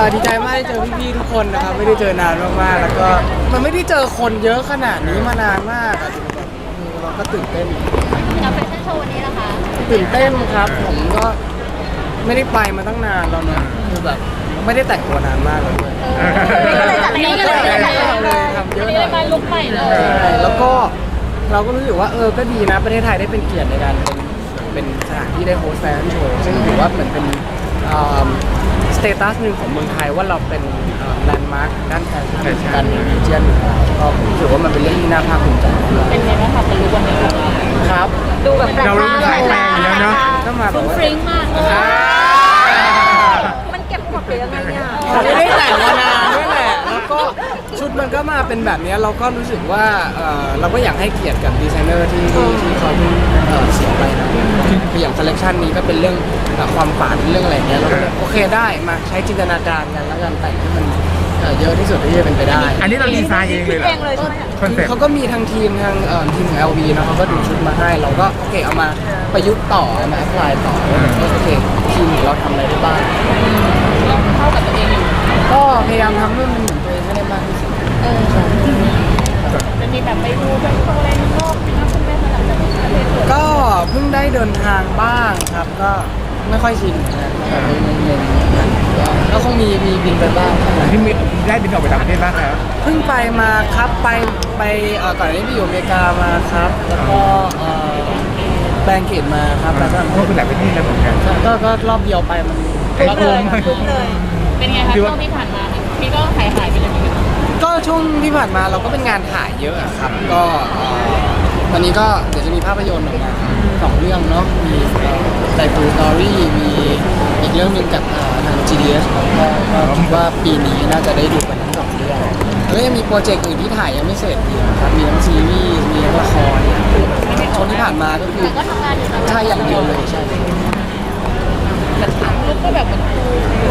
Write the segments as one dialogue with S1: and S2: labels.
S1: ดีใจมากได้เจอพี่ๆทุกคนนะครับไม่ได้เจอนานมากๆแล้วก็มันไม่ได้เจอคนเยอะขนาดนี้มานานมากอะเราก็ตื่นเต้น
S2: กับแฟชั่นโชว์วันนี้นะคะ
S1: ตื่นเต้นครับผมก็ไม่ได้ไปมาตั้งนานแล้วนะคือแบบไม่ได้แต่งตัวนานมากเลยด้วย
S2: นี่ก็เลยจัด
S1: ทำเยอะห
S2: นี่
S1: น่
S2: เลยมา
S1: อย
S2: ลุกใหม่เลย
S1: ใช่แล้วก็เราก็รู้สึกว่าก็ดีนะประเทศไทยได้เป็นเกียรติในการเป็นสถานที่ได้โฮสต์แฟชั่นโชว์ซึ่งถือว่าเหมือนเป็นสเตตัสหนึ่งของเมืองไทยว่าเราเป็นแลนด์มาร์คด้านแฟชั่นการมีวิชั่นก็ผมรู้สึกว่ามันเป็นเรื่องที่น่าภาคภูมิใจ
S2: เป็นไงบ้างคะเป็นลุกวันนี้
S1: ครับ
S2: ดูแบบแปลก
S3: เรารู้สึกแปลกๆอยู่แล้วเนาะ
S1: ก็มาแบบว่า
S2: ฟริ้งมากเลย
S1: อ่า
S2: มันเก็บกดหรือยังไงเนี่ย
S1: ผมไม่ได้แต่งมานานด้วยแหละแล้วก็ชุดมันก็มาเป็นแบบนี้เราก็รู้สึกว่าเราก็อยากให้เกียรติกับดีไซเนอร์ที่เขาเพิ่งเสียไปนะคืออย่างคอลเลคชันนี้ก็เป็นเรื่องความฝันเรื่องอะไรเงี้ยเราก็โอเคได้มาใช้จินตนาการกันแล้วกันแต่งให้มันเยอะที่สุดที่จะเป็นไปได้
S3: อันนี้เราดีไซน์เองเลยเหรอ
S2: เองเลยใช่ไหม
S3: คอนเซ็ปต์
S1: เขาก็มีทางทีมทีมของ LV นะเขาก็ดูชุดมาให้เราก็โอเคเอามาประยุกต์ต่อเอามาแอพพลายต่อโอเคทีมของเราทำอะไรได้บ้าง
S2: เข้ากับตัวเองอยู่
S1: ก็พยายามทำให้มันเหมือนตัวเองให้ได้มากที่สุด
S2: จะมีแบบไปดูแบบโชว์อะไรนอกนะคุณแม่มาหลังจากประเทศเปิด
S1: ก็เพิ่งได้เดินทางบ้างครับก็ไม่ค่อยชินนะแต่ก็คงมีบินไปบ้าง
S3: ที่มีได้บินออกไปต่างประเทศบ้างแล้ว
S1: เพิ่งไปมาครับไปก่อนหน้านี้ไปอยู่อเมริกามาครับ แล้วก็แบงเกตมาครับแล้วก็
S3: ก็คือหลายประเทศแล้วเหมือนกัน
S1: ก็รอบเดียวไปมัน
S3: ไอ้คุ้ม
S2: เป็นไงคะช่วงที่ผ่านมาพี่ก็หายไปเลยไหมคะ
S1: ก็ช่วงที่ผ่านมาเราก็เป็นงานถ่ายเยอะอะครับก็ตอนนี้ก็เดี๋ยวจะมีภาพยนตร์ออกมา2 เรื่องเนาะมีไดฟูสตอรี่มีอีกเรื่องหนึงกับทาง GDS ครับก็คิดว่าปีนี้น่าจะได้ดูกันทั้ง2 เรื่องแล้วก็ยังมีโปรเจกต์อื่นที่ถ่ายยังไม่เสร็จอีกครับมีทั้งซีรีส์มีทั้งละครช่วงที่ผ่านมาก็คือ
S2: แต่ก็ทำงานอยู่นะ
S1: ใช่อย่างเดียวเลยใช่
S2: แต่ลุกก็แบบเหมือนครู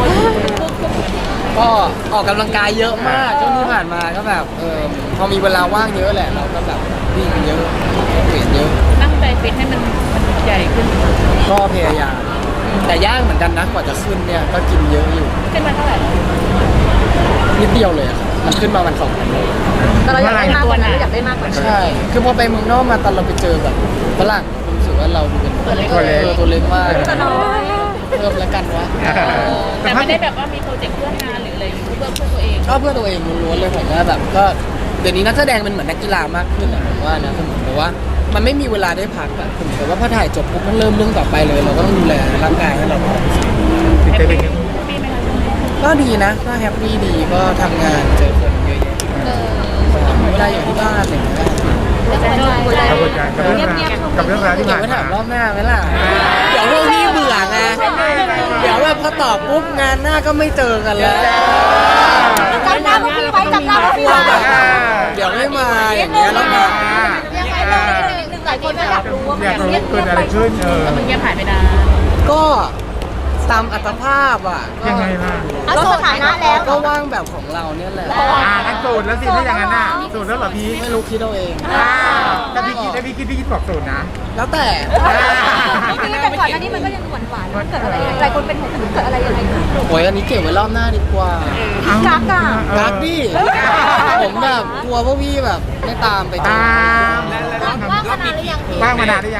S1: ก็ออกกำลังกายเยอะมากช่วงที่ผ่านมาก็แบบพอมีเวลาว่างเยอะแหละเราก็แบบวิ่งเยอะเวทเยอะ
S2: ตั้งใจฟิตให้มันใหญ่ขึ้น
S1: ก็พยายามแต่ยากเหมือนกันนะกว่าจะขึ้นเนี่ยก็กินเยอะอยู่
S2: ขึ้นมาเท่าไหร่แล้ว
S1: นิดเดียวเลยอะครับมันขึ้นมาวัน2 วันเลย
S2: แต่เราอยากได้มากกว่านั้นอยากได้มากกว่านั้น
S1: ใช่คือพอไปเมืองนอกมาตอนเราไปเจอแบบฝรั่งรู้สึกว่าเราดูเป็น
S2: ตัวเล็ก
S1: ตัวเล็กมาก
S2: แต่น้อย
S1: เพิ่มแล้วกันวะ
S2: แต่ไม่ได้แบบว่ามีโปรเจกต์เพื่องานหรืออะไรอยู่เพื่อตัวเอง
S1: ก็เพื่อตัวเองล้วนๆเลยผมว่าแบบก็เดี๋ยวนี้นักแสดงเป็นเหมือนนักกีฬามากขึ้นอะผมว่านะคือเหมือนกับว่ามันไม่มีเวลาได้พักอะคือเหมือนกับว่าพอถ่ายจบปุ๊บมันเริ่มเรื่องต่อไปเลย เราก็ต้องดูแลร่างกายให้เราพร้อม
S3: ติดใจเป็นไง
S2: มีไหมคะช่วงนี้
S1: ก็ดีนะก็แฮปปี้ดีก็ทำงานเจอคนเยอะแยะเวลาอยู่ที่บ้านอะไรอย่างเงี้ย
S3: กระบวนการกับเรื่องราวที่
S1: เดี๋ย
S3: ผ่า
S1: วน ไปถาม
S3: มาร
S1: อบหน้าไหมล่ะ เดี๋ยวพวกพี่เบื่อไง เดี๋ยวแบบพอตอบปุ๊บงานหน้าก็ไม่เจอกันแล้ว
S2: จำหน้าพวกพี่ไว้จำหน้าพวกพี่ไว้
S1: เดี๋ยวไม่มาอย่างเงี้ยแล้วมา
S2: ยังไงเราหนึ่งหลายคนก็อยากรู้ว่า
S3: อยากรู้เกิดอะไรขึ้น
S2: มันเงียบหายไปนาน
S1: ก็ตามอัตภาพอ่ะ
S3: ยังไงล่ะ
S2: ลดสถานะแล้ว
S1: ก็ว่างแบบของเราเนี่ยแหละ
S3: งั้นสูตรแล้วสิถ้าอย่างนั้นน่ะสูตรแล้วเหรอพี่
S1: ไม่รู้คิดเอาเอง
S3: ถ้าพี่คิดบอกสูตรนะ
S1: แล้วแต่
S2: พี่แต่ก่อนหน้านี้มันก็ยังหวานหวานมันเกิดอะไรหลายคนเป็นห่วงมันเกิดอะไรยังไงขึ้น
S1: โอ้ยอันนี้เก็บไว้รอบหน้าดีกว่า
S2: กักอ่ะ
S1: รักดิผมแบบกลัวพวกพี่แบบไม่ตามไปเจอ
S2: ว่างมานานหรือยังพี่
S3: ว่างมานานหรือยัง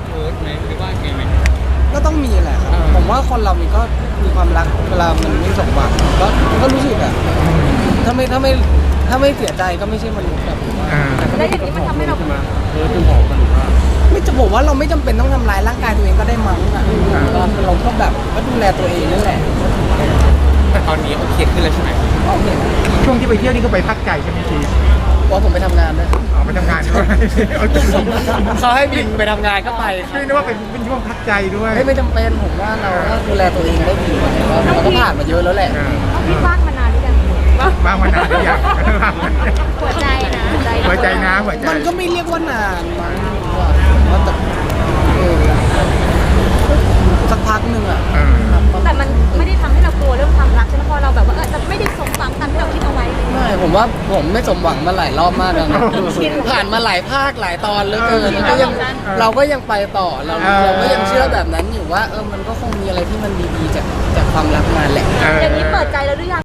S1: ก็ต้องมีแหละครับผมว่าคนเรามันก็มีความรักเวลามันไม่สมหวังก็รู้สึกอะถ้าไม่เสียใจก็ไม่ใช่มนุษย์แบบผมว่า
S2: แล้วอย่างนี้มันทำให้เรา
S1: ไม่จะบอกว่าเราไม่จำเป็นต้องทำร้ายร่างกายตัวเองก็ได้มั้งอะเราก็แบบก็ดูแลตัวเองนั่นแหละ
S4: แต่ตอนนี้โอเคขึ้นแล้วใช่ไหม
S1: โอเค
S3: ช่วงที่ไปเที่ยวนี่ก็ไปพักใจใช่ไหมพี่
S1: เพราะผมไปทำงานด้วยครับ
S3: ออกไปทำงานด้วย
S1: เขาให้บินไปทำงานก็ไปครับ
S3: ไม่นึกว่าเป็นช่วงพักใจด้วย
S1: ไม่จำเป็นผมว่าเราก็ดูแลตัวเองได้ดีเราก็ผ่านมาเยอะแล้วแหละ
S2: พี่ว่างมานานหรือยัง
S3: ว่างมานานหรือยัง
S2: หัวใจนะ
S3: หัวใจนะหัวใจ
S1: มันก็ไม่เรียกว่านานมั้งว่าแต่สักพักหนึ่งอะ
S2: แต่มันไม่ได้ทำให้เรากลัวเรื่องความรักใช่ไหมพอเราแบบว่าจะไม่ได้สมหวังตามที่เราคิดเอาไว้
S1: ไม่ผมว่าผมไม่สมหวังมาหลายรอบมากแล้วนะผ่านมาหลายภาคหลายตอนเหลือเกินแล้วก็ยังเราก็ยังไปต่อเราก็ยังเชื่อแบบนั้นอยู่ว่ามันก็คงมีอะไรที่มันดีๆจากความรักมาแหละ
S2: อย่างนี้เปิดใจแล้วหรือยัง